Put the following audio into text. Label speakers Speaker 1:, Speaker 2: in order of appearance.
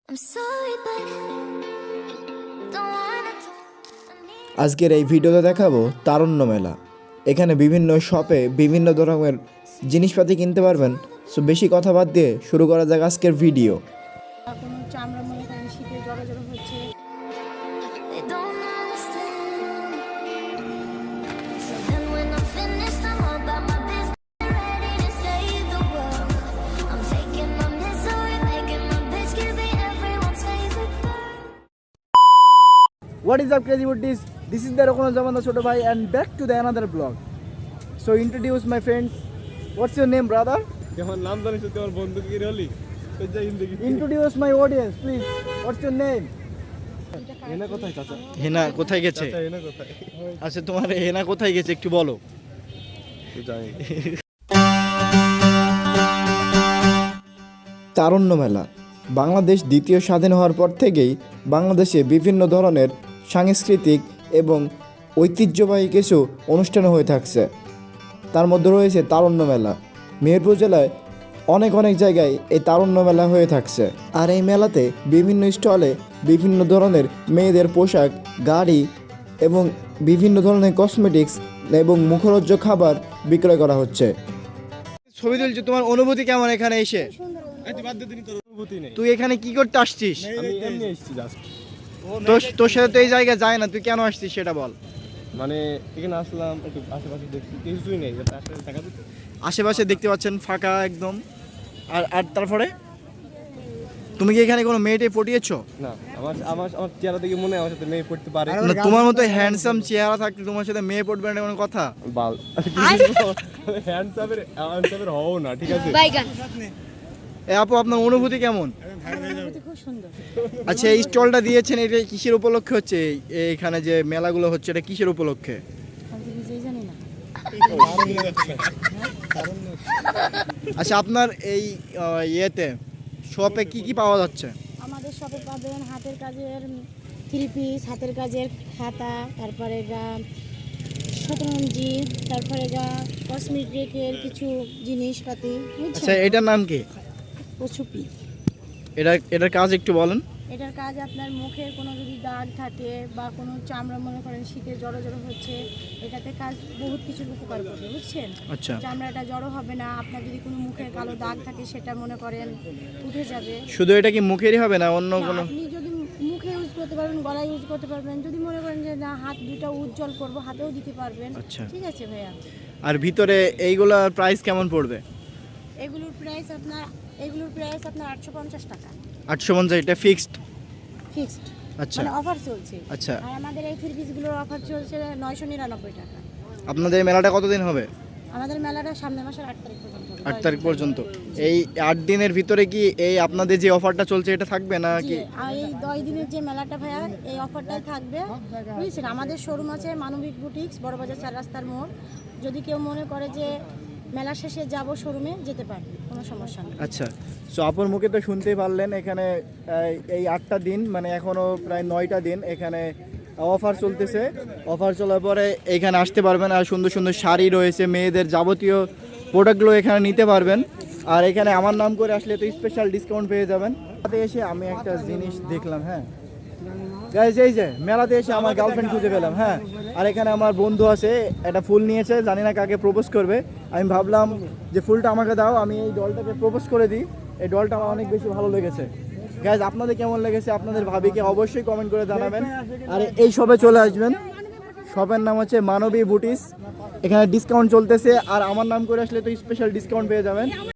Speaker 1: I'm sorry, but don't wanna
Speaker 2: আজকের এই ভিডিওতে দেখাবো তারুণ্য মেলা। এখানে বিভিন্ন শপে বিভিন্ন ধরনের জিনিসপাতি কিনতে পারবেন। সো বেশি কথা বাদ দিয়ে শুরু করা যাক আজকের ভিডিও।
Speaker 3: কোনো চামড়া মনে করেন শীতে জড়ো হচ্ছে।
Speaker 1: they don't understand. So then when I'm finished, I'm all about my business, ready to save the world. I'm taking my misery, making my bitch, give me everyone's favorite girl.
Speaker 2: What is up, crazy woodies? This is the Rokono Zamanda Choto Bhai and back to the another vlog. So introduce my friends. What's your name, brother?
Speaker 4: যখন নাম জানিস তোমার বন্ধু কি হলি
Speaker 2: Introduce my audience, please. What's your name?
Speaker 4: এনা কোথায় চাচা
Speaker 2: হেনা কোথায় গেছে?
Speaker 4: চাচা এনা কোথায়
Speaker 2: আচ্ছা, তোমার হেনা কোথায় গেছে একটু বলো।
Speaker 4: তুই জানি
Speaker 2: তারুণ্য মেলা বাংলাদেশ দ্বিতীয় স্বাধীন হওয়ার পর থেকেই বাংলাদেশে বিভিন্ন ধরনের সাংস্কৃতিক এবং ঐতিহ্যবাহী কিছু অনুষ্ঠান হয়ে থাকছে। তার মধ্যে রয়েছে তারুণ্য মেলা। মেহেরপুর জেলায় অনেক জায়গায় এই তারুণ্য মেলা হয়ে থাকছে। আর এই মেলাতে বিভিন্ন স্টলে বিভিন্ন ধরনের মেয়েদের পোশাক, গাড়ি এবং বিভিন্ন ধরনের কসমেটিক্স এবং মুখরোজ্জ খাবার বিক্রয় করা হচ্ছে। ছবি তুলছো, তোমার অনুভূতি কেমন এখানে এসে?
Speaker 4: তুই বাদ দে, তোর অনুভূতি নেই।
Speaker 2: তুই এখানে কি করতে আসছিস?
Speaker 4: আমি এমনি এসেছি জাস্ট,
Speaker 2: তোর সাথে তো এই জায়গায় যায় না, তুই কেন আসছিস সেটা বল।
Speaker 4: মানে এখানে আসলাম একটু আশেপাশে দেখছি, কিছুই নেই আশেপাশে দেখা দিতে।
Speaker 2: আশেপাশে দেখতে পাচ্ছেন ফাঁকা একদম। আর তারপরে তুমি কি এখানে কোনো মেয়েটে পটিয়েছো?
Speaker 4: না, আমার আমার আমার চেহারা দেখে মনে হয় আমার সাথে মেয়ে পড়তে পারে
Speaker 2: না, তোমার মতো হ্যান্ডসাম চেহারা থাকলে তোমার সাথে মেয়ে পড়বে না কোনো কথা?
Speaker 4: বাল হ্যান্ডসামের হও না, ঠিক আছে?
Speaker 2: এ আপু, আপনার অনুভূতি কেমন?
Speaker 3: অনুভূতি খুব সুন্দর।
Speaker 2: আচ্ছা, এই স্টলটা দিয়েছেন, এটা কিসের উপলক্ষে হচ্ছে? এখানে যে মেলাগুলো হচ্ছে এটা কিসের উপলক্ষে?
Speaker 3: আমি তো নিজেই জানি না।
Speaker 2: আচ্ছা, আপনার এই ইয়েতে শপে কি পাওয়া যাচ্ছে?
Speaker 3: আমাদের শপে পাবেন হাতের কাজের থ্রি পিস, হাতের কাজের খাতা, তারপরে শতরঞ্জি, তারপরে কসমেটিকের কিছু জিনিসপাতি,
Speaker 2: আচ্ছা, এটার নাম কি?
Speaker 3: পশুপি।
Speaker 2: এটার কাজ একটু বলেন।
Speaker 3: এটার কাজ আপনার মুখের কোনো যদি দাগ থাকে বা কোনো চামড়া মনে করেন শীতে জড়ো হচ্ছে, এটাতে কাজ বহুত কিছুর উপকার করবে, বুঝছেন?
Speaker 2: আচ্ছা,
Speaker 3: চামড়াটা জড়ো হবে না। আপনার যদি কোনো মুখের কালো দাগ থাকে সেটা মনে করেন উঠে যাবে।
Speaker 2: শুধু এটা কি মুখেরই হবে না অন্য
Speaker 3: না,
Speaker 2: কোনো?
Speaker 3: আপনি যদি মুখে ইউজ করতে পারবেন, গলায় ইউজ করতে পারবেন, যদি মনে করেন যে না হাত দুটো উজ্জ্বল করব, হাতেও দিতে পারবেন।
Speaker 2: আচ্ছা।
Speaker 3: ঠিক আছে ভাইয়া।
Speaker 2: আর ভিতরে এইগুলোর প্রাইস কেমন পড়বে?
Speaker 3: এগুলোর প্রাইস আপনার 850 টাকা
Speaker 2: 850, এটা ফিক্সড?
Speaker 3: ফিক্সড,
Speaker 2: আচ্ছা
Speaker 3: মানে অফার চলছে।
Speaker 2: আচ্ছা।
Speaker 3: আর আমাদের এই থ্রি পিসগুলোর অফার চলছে 999 টাকা।
Speaker 2: আপনাদের এই মেলাটা কতদিন হবে?
Speaker 3: আমাদের মেলাটা সামনের মাসের 8 তারিখ পর্যন্ত হবে।
Speaker 2: 8 তারিখ পর্যন্ত। এই 8 দিনের ভিতরে কি এই আপনাদের যে অফারটা চলছে এটা থাকবে না
Speaker 3: জি,
Speaker 2: কি?
Speaker 3: আর এই 10 দিনের যে মেলাটা ভাইয়া, এই অফারটাই থাকবে, বুঝছেন? আমাদের শোরুম আছে মানবিক বুটিক্স, বড়বাজার 4 রাস্তার মোড়। যদি কেউ মনে করে যে মেলা শেষে যাব শোরুমে, যেতে পারবে, কোনো সমস্যা নেই।
Speaker 2: আচ্ছা, সো আপনার মুখে তো শুনতেই পারলেন এখানে এই 8টা দিন, মানে এখনও প্রায় 9টা দিন এখানে অফার চলতেছে। অফার চলার পরে এখানে আসতে পারবেন, আর সুন্দর শাড়ি রয়েছে, মেয়েদের যাবতীয় প্রোডাক্টগুলো এখানে নিতে পারবেন। আর এখানে আমার নাম করে আসলে তো স্পেশাল ডিসকাউন্ট পেয়ে যাবেন। মেলাতে এসে আমি একটা জিনিস দেখলাম, হ্যাঁ গাইজ, এই যে মেলাতে এসে আমার গার্লফ্রেন্ড খুঁজে পেলাম। হ্যাঁ, আর এখানে আমার বন্ধু আছে, একটা ফুল নিয়েছে, জানি না কাকে প্রপোজ করবে। আমি ভাবলাম যে ফুলটা আমাকে দাও, আমি এই ডলটাকে প্রপোজ করে দিই। এই ডলটা আমার অনেক বেশি ভালো লেগেছে। গাইজ, আপনাদের কেমন লেগেছে আপনাদের ভাবিকে অবশ্যই কমেন্ট করে জানাবেন। আর এই শপে চলে আসবেন। শপের নাম হচ্ছে মানবী বুটিক্স। এখানে ডিসকাউন্ট চলতেছে, আর আমার নাম করে আসলে তো স্পেশাল ডিসকাউন্ট পেয়ে যাবেন।